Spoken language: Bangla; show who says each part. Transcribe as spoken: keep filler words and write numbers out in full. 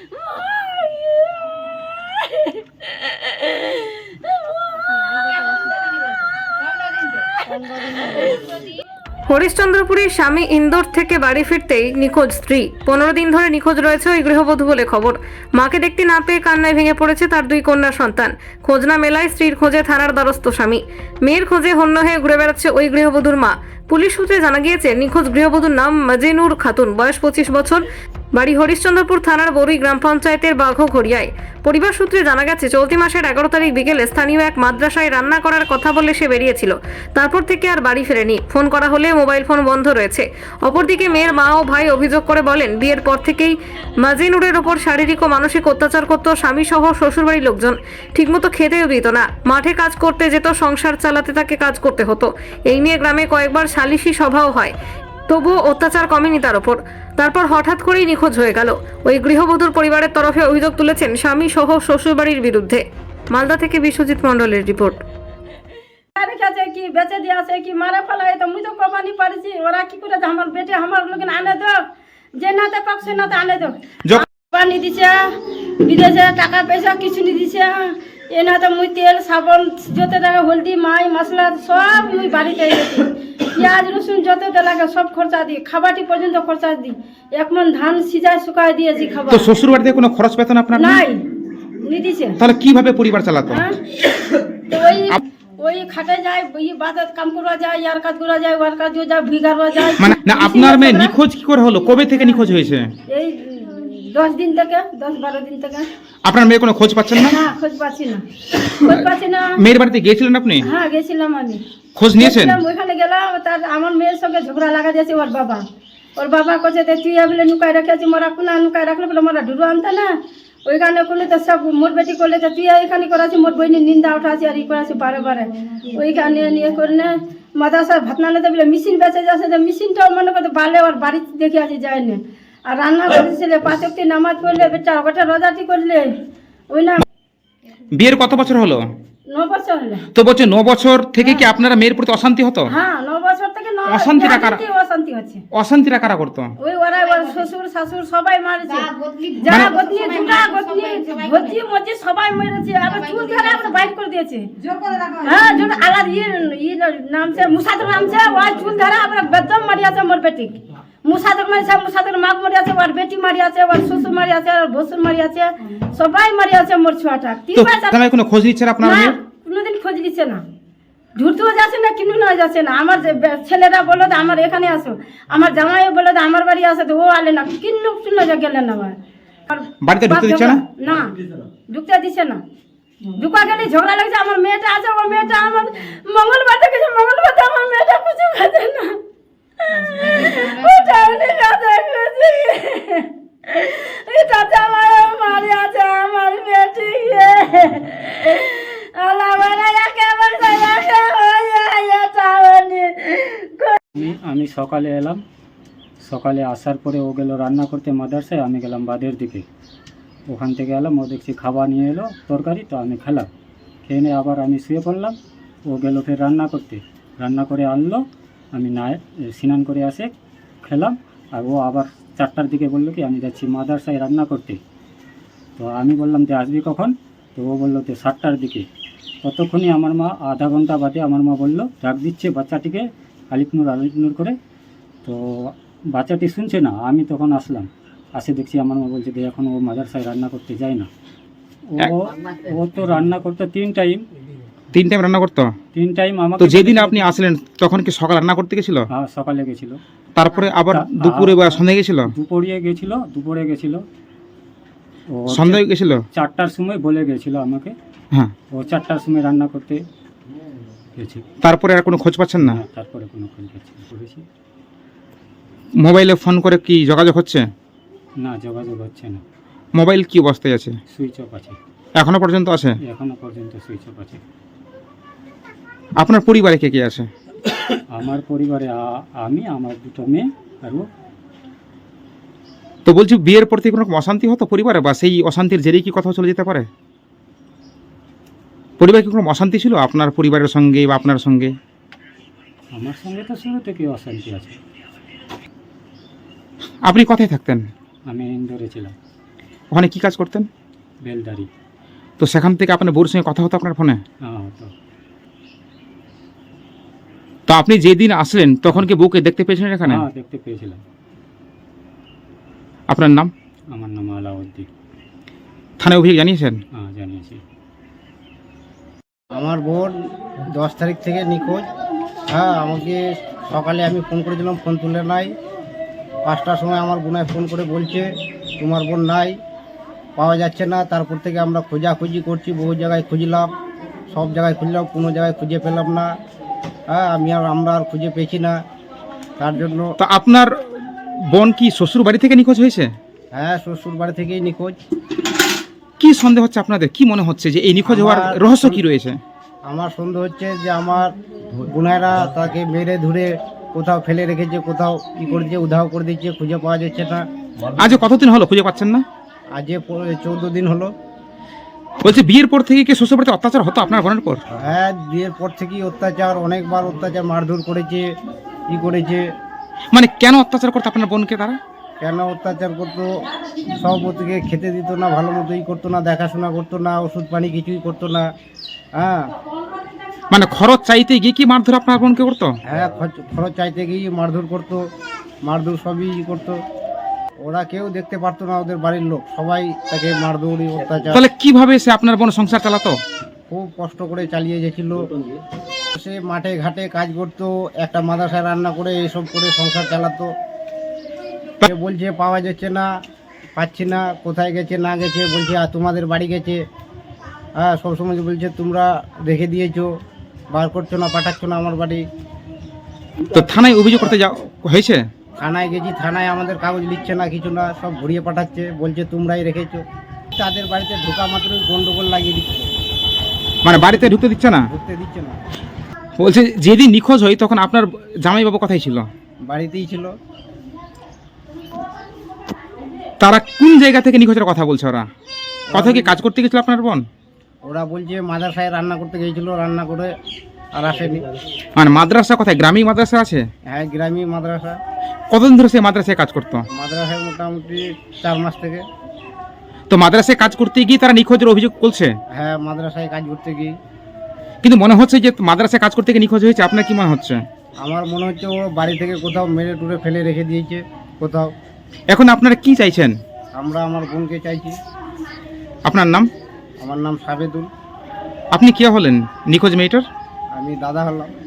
Speaker 1: হরিশ্চন্দ্রপুরের স্বামী ইন্দোর থেকে বাড়ি ফিরতেই নিখোঁজ স্ত্রী। পনেরো দিন ধরে নিখোঁজ রয়েছে ওই গৃহবধূ বলে খবর। মাকে দেখতে না পেয়ে কান্নায় ভেঙে পড়েছে তার দুই কন্যা সন্তান। খোঁজ না মেলায় স্ত্রীর খোঁজে থানার দ্বারস্থ স্বামী। মেয়ের খোঁজে হন্য হয়ে ঘুরে বেড়াচ্ছে ওই গৃহবধূর মা। পুলিশ সূত্রে জানা গিয়েছে নিখোঁজ গৃহবধূর নাম মাজেনুর খাতুন, বয়স পঁচিশ বছর, বাড়ি হরিশ্চন্দ্রপুর থানার বরুই গ্রাম পঞ্চায়েতের বাঘঘড়িয়ায়। পরিবার সূত্রে জানা গেছে চলতি মাসের এগারো তারিখ বিকেলে স্থানীয় এক মাদ্রাসায় রান্না করার কথা বলে সে বেরিয়েছিল। তারপর থেকে আর বাড়ি ফেরেনি। ফোন করা হলে মোবাইল ফোন বন্ধ রয়েছে। অপরদিকে মেয়ের মা ও ভাই অভিযোগ করে বলেন, বিয়ের পর থেকেই মাজেনুরের ওপর শারীরিক ও মানসিক অত্যাচার করত স্বামী সহ শ্বশুরবাড়ির লোকজন। ঠিকমতো খেতেও দিত না। মাঠে কাজ করতে যেত, সংসার চালাতে তাকে কাজ করতে হতো। এই নিয়ে গ্রামে কয়েকবার সালিশি সভাও হয়, তবুও অত্যাচার কমেনি তার ওপর। তারপর হঠাৎ করেই নিখোঁজ হয়ে গেল। ওই গৃহবধূর পরিবারের তরফে অভিযোগ তুলেছেন স্বামী সহ শ্বশুরবাড়ির বিরুদ্ধে। মালদা থেকে বিশ্বজিৎ মণ্ডলের রিপোর্ট।
Speaker 2: কি বেচে দিয়ে আছে কি মারা ফেলা, তো মুই তো কমানি পারছি। ওরা কি করে আমার বেটে আমার লোক আনে দো, যে নাতে পাক সে নাতে আনে দো। পানি দিছে বিদেশে, টাকা পয়সা কিছু নি দিছে। এ না তো মুই তেল সাবন যত টাকা হলদি মাই মশলা সব মুই বাড়িতে এনেছি। পেঁয়াজ রসুন যত লাগে সব খরচা দিই, খাবারটি পর্যন্ত খরচা দিই। এক মন ধান সিজায় শুকায় দিয়েছি খাবার।
Speaker 3: তো শ্বশুর বাড়িতে কোনো খরচ পেতেন আপনার?
Speaker 2: নাই, নি দিছে।
Speaker 3: তাহলে কিভাবে পরিবার চালাতো?
Speaker 2: তো ওই ওই খাটে যায়, ওই বাজার কাম করা যায়, ইয়ার কাজ করা যায়, ওয়ার কাজ যায়, ভিগারও যায়।
Speaker 3: মানে না, আপনার মেয়ে নিখোঁজ কি করে হলো? কবে থেকে নিখোঁজ হয়েছে?
Speaker 2: এই দশ দিন থেকে, দশ বারো দিন থেকে।
Speaker 3: আপনার মেয়ে কোনো খোঁজ পাচ্ছেন না?
Speaker 2: না, খোঁজ পাচ্ছি না, খোঁজ পাচ্ছি না।
Speaker 3: মেয়ের বাড়িতে গিয়েছিলেন আপনি?
Speaker 2: হ্যাঁ, গেছিলাম আমি।
Speaker 3: খোঁজ নিয়েছেন?
Speaker 2: ওইখানে গেলাম, তার আমার মেয়ের সঙ্গে ঝগড়া লাগা দিয়েছে ওর বাবা। ওর বাবা কছে তুই বলে নুকাই রেখেছি, মোরা কোনা নুকাই রাখলে বলে মোরা ঢুরু আনতে না। ওইখানে করলে তো সব মোর বেটি করলে তো তুই এখানে করাছি, মোর বইনি নিন্দা উঠাছি আর ই করাছি বারে বারে। ওইখানে নিয়ে করে না মাদ্রাসা ভাতনা নিতে বলে মেশিন বেঁচে যাচ্ছে, মেশিনটাও মনে করতে বালে ওর বাড়িতে দেখে আসি যায় না। আর রান্না করেছিলে, পাঁচ অক্টি নামাজ পড়লে, বেটা ওটা রোজাটি করলে। ওই না
Speaker 3: বিয়ের কত বছর হলো?
Speaker 2: ন বছর হলে।
Speaker 3: তো বলছে ন বছর থেকে কি আপনারা মেয়ের প্রতি অশান্তি হতো?
Speaker 2: হ্যাঁ, ন বছর থেকে
Speaker 3: অশান্তিটা কারা
Speaker 2: অশান্তি হচ্ছে?
Speaker 3: অশান্তিটা কারা করতো?
Speaker 2: ওই ওরা ওর শ্বশুর শাশুর সবাই মারছে, যা গতনি দুটা গতনি ভজি মজি সবাই মেরেছে। আবার চুল ধরে আবার বাইট করে দিয়েছে, জোর করে রাখা। হ্যাঁ, জোর আলাদ ই ই নামছে মুসাদর নামছে, ওই চুল ধরে আবার বেদম মারিয়াছে মোর বেটি। মুসাদর মারিছে, মুসাদর মাগ মারিয়াছে, ওর বেটি মারিয়াছে, ওর শ্বশুর মারিয়াছে, আর ভসুর মারিয়াছে, সবাই মারিয়াছে মোর ছোয়াটা।
Speaker 3: তো তাহলে কোনো খোঁজ নিচ্ছে না আপনারা?
Speaker 2: না, কোনোদিন খোঁজ দিচ্ছে না। ঝুড়তেও যাচ্ছে না, কিনু না যাচ্ছে না। আমার ছেলেরা বললো তো আমার এখানে আসো, আমার জামাইও বললো তো আমার বাড়ি আসে, তো ও আলে না, কিন্নু শুনে যা গেলেন না। আমার
Speaker 3: বাড়িতে ঢুকতে দিচ্ছে না?
Speaker 2: না, ঢুকতে দিচ্ছে না। ঢুকা গেলে ঝগড়া লাগছে। আমার মেয়েটা আছে, আমার মেয়েটা আমার মঙ্গলবার থেকে মঙ্গলবার আমার মেয়েটা কিছু খাচ্ছে না। ওটা উনি কাছে খুঁজে এটা তো আমার মারি আছে আমার বেটি।
Speaker 4: আমি সকালে এলাম, সকালে আসার পরে ও গেল রান্না করতে মাদ্রাসায়, আমি গেলাম বাদের দিকে। ওখান থেকে এলাম, ও দেখছি খাবার নিয়ে এলো তরকারি, তো আমি খেলাম। খেয়ে নিয়ে আবার আমি শুয়ে পড়লাম। ও গেল ফের রান্না করতে, রান্না করে আনলো, আমি না স্নান করে আসে খেলাম। আর ও আবার চারটার দিকে বললো কি আমি যাচ্ছি মাদ্রাসায় রান্না করতে। তো আমি বললাম যে আসবি কখন? তো ও বললো যে সাতটার দিকে। ততক্ষণই আমার মা আধা ঘন্টা বাদে আমার মা বললো ডাক দিচ্ছে বাচ্চাটিকে আলিপনুর আলিপনুর করে। তো বাচ্চাটি শুনছে না। আমি তখন আসলাম, আসে দেখছি আমার মা বলছে যে এখন ও মাদ্রাসায় রান্না করতে যায় না। ও ও তো রান্না করতো তিন টাইম
Speaker 3: তিন টাইম রান্না করতো
Speaker 4: তিন টাইম আমাকে।
Speaker 3: তো যেদিন আপনি আসলেন তখন কি সকাল রান্না করতে গেছিল?
Speaker 4: হ্যাঁ, সকালে গেছিল।
Speaker 3: তারপরে আবার দুপুরে বা সন্ধ্যায় গেছিল?
Speaker 4: দুপুরে গেছিল, দুপুরে গেছিল। ও
Speaker 3: সন্ধ্যায় গেছিল
Speaker 4: চারটার সময় বলে গেছিল আমাকে।
Speaker 3: হ্যাঁ,
Speaker 4: ও চারটার সময় রান্না করতে গেছে।
Speaker 3: তারপরে আর কোনো খোঁজ পাচ্ছেন না?
Speaker 4: তারপরে কোনো খোঁজ পাচ্ছি করেছি।
Speaker 3: মোবাইলে ফোন করে কি যোগাযোগ হচ্ছে?
Speaker 4: না, যোগাযোগ হচ্ছে না।
Speaker 3: মোবাইল কি অবস্থায় আছে?
Speaker 4: সুইচ অফ আছে।
Speaker 3: এখনো পর্যন্ত আছে?
Speaker 4: এখনো পর্যন্ত সুইচ অফ আছে।
Speaker 3: আপনার পরিবারে কে কে আছে?
Speaker 4: আমার পরিবারে আমি, আমার দুটো মেয়ে আর ও।
Speaker 3: তো বলছি বিয়ের পর থেকে কোনো অশান্তি হতো পরিবারে, বা সেই অশান্তির জেরেই কি কথা চলে যেতে পারে? পরিবারে কি কোনো অশান্তি ছিল আপনার পরিবারের সঙ্গে বা আপনার সঙ্গে?
Speaker 4: আমার সঙ্গে তো শুরু থেকে অশান্তি আছে।
Speaker 3: আপনি কোথায় থাকতেন?
Speaker 4: আমি ইন্দোরে ছিলাম।
Speaker 3: ওখানে কি কাজ করতেন?
Speaker 4: বেলদারি।
Speaker 3: তো সেখান থেকে আপনার বউর সঙ্গে কথা হতো আপনার ফোনে?
Speaker 4: হ্যাঁ হতো।
Speaker 3: তো আপনি যেদিন আসলেন তখন কি বউকে দেখতে পেয়েছিলেন এখানে?
Speaker 4: হ্যাঁ দেখতে পেয়েছিলাম।
Speaker 3: আপনার নাম?
Speaker 4: আমার নাম আলাউদ্দিন।
Speaker 3: থানায় অভিযোগ জানিয়েছেন?
Speaker 4: হ্যাঁ জানিয়েছি।
Speaker 5: আমার বোন দশ তারিখ থেকে নিখোঁজ। হ্যাঁ, আমাকে সকালে আমি ফোন করেছিলাম, ফোন তুলে নাই। পাঁচটার সময় আমার বোনায় ফোন করে বলছে তোমার বোন নাই, পাওয়া যাচ্ছে না। তারপর থেকে আমরা খোঁজাখুঁজি করছি, বহু জায়গায় খুঁজলাম, সব জায়গায় খুঁজলাম, কোনো জায়গায় খুঁজে পেলাম না। হ্যাঁ, আমি আর আমরা আর খুঁজে পেয়েছি না, তার জন্য।
Speaker 3: তো আপনার বোন কি শ্বশুর বাড়ি থেকে নিখোঁজ হয়েছে?
Speaker 5: হ্যাঁ, শ্বশুর বাড়ি থেকেই নিখোঁজ।
Speaker 3: কি সন্দেহ হচ্ছে আপনাদের? কি মনে হচ্ছে যে এই নিখোঁজ হওয়ার
Speaker 5: আমার-
Speaker 3: রহস্য কি রয়েছে?
Speaker 5: আমার সন্দেহ হচ্ছে যে আমার বোনেরা তাকে মেরে ধরে কোথাও ফেলে রেখেছে, কোথাও ই করেছে, উধাও করে দিচ্ছে, খুঁজে পাওয়া যাচ্ছে না।
Speaker 3: আজ কতদিন হলো খুঁজে পাচ্ছেন না?
Speaker 5: আজ চৌদ্দ দিন হলো।
Speaker 3: বলছে বিয়ের পর থেকে কি শ্বশুর বাড়িতে অত্যাচার হতো আপনার বোনের পর?
Speaker 5: হ্যাঁ, বিয়ের পর থেকেই অত্যাচার, অনেকবার অত্যাচার, মারধর করেছে, ই করেছে।
Speaker 3: মানে কেন অত্যাচার করতো আপনার বোনকে তারা?
Speaker 5: কেন অত্যাচার করতো? সব থেকে খেতে দিত না, ভালো মতো ই করতো না, দেখাশোনা করতো না, ওষুধ পানি কিছুই করতো না। হ্যাঁ
Speaker 3: মানে খরচ চাইতে গিয়ে কি মারধর আপনার বোনকে করতো?
Speaker 5: হ্যাঁ, খরচ- খরচ চাইতে গিয়ে মারধর করতো, মারধর সবই ই করতো। ওরা কেউ দেখতে পারতো না, ওদের বাড়ির লোক সবাই তাকে মারধর, অত্যাচার।
Speaker 3: তাহলে কিভাবে সে আপনার বোন সংসার চালাতো?
Speaker 5: খুব কষ্ট করে চালিয়ে গেছিল। সে মাঠে ঘাটে কাজ করতো, একটা মাদ্রাসায় রান্না করে এসব করে সংসার চালাতো। সে বলছে পাওয়া যাচ্ছে না, পাচ্ছি না, কোথায় গেছে না গেছে, বলছে আর তোমাদের বাড়ি গেছে। হ্যাঁ, সবসময় বলছে তোমরা রেখে দিয়েছো, বার করছো না, পাঠাচ্ছ না আমার বাড়ি।
Speaker 3: তো থানায় অভিযোগ করতে যা হয়েছে?
Speaker 5: থানায় গেছি, থানায় আমাদের কাগজ লিখছে না, কিছু না, সব ঘুরিয়ে পাঠাচ্ছে, বলছে তোমরাই রেখেছো। তাদের বাড়িতে ঢোকা মাত্রই গন্ডগোল লাগিয়ে দিচ্ছে,
Speaker 3: মানে বাড়িতে ঢুকতে দিচ্ছে না?
Speaker 5: ঢুকতে দিচ্ছে না।
Speaker 3: বলছে যেদিন নিখোঁজ হয় তখন আপনার জামাইবাবু কোথায় ছিল?
Speaker 5: বাড়িতেই ছিল।
Speaker 3: তারা কোন জায়গা থেকে নিখোঁজের কথা বলছে? ওরা কোথায় কি কাজ করতে গেছিল আপনার বোন?
Speaker 5: ওরা বলছে মাদ্রাসায় রান্না করতে গিয়েছিল, রান্না করে আর আসেনি।
Speaker 3: মানে মাদ্রাসা কোথায়? গ্রামীণ মাদ্রাসা আছে?
Speaker 5: হ্যাঁ, গ্রামীণ মাদ্রাসা।
Speaker 3: কতদিন ধরে সেই মাদ্রাসায় কাজ করতো?
Speaker 5: মাদ্রাসায় মোটামুটি চার মাস থেকে।
Speaker 3: তো মাদ্রাসায় কাজ করতে গিয়ে তারা নিখোঁজের অভিযোগ করছে?
Speaker 5: হ্যাঁ, মাদ্রাসায় কাজ করতে গিয়ে।
Speaker 3: কিন্তু মনে হচ্ছে যে মাদ্রাসায় কাজ করতে গিয়ে নিখোঁজ হয়েছে। আপনার কি মনে হচ্ছে?
Speaker 5: আমার মনে হচ্ছে ও বাড়ি থেকে কোথাও মেরে টুরে ফেলে রেখে দিয়েছে কোথাও।
Speaker 3: এখন আপনারা কি চাইছেন?
Speaker 5: আমরা আমার বোনকে চাইছি।
Speaker 3: আপনার নাম?
Speaker 5: আমার নাম সাবেদুল,
Speaker 3: আপনি কে হলেন নিখোঁজ মেয়েটার?
Speaker 5: আমি দাদা হলাম।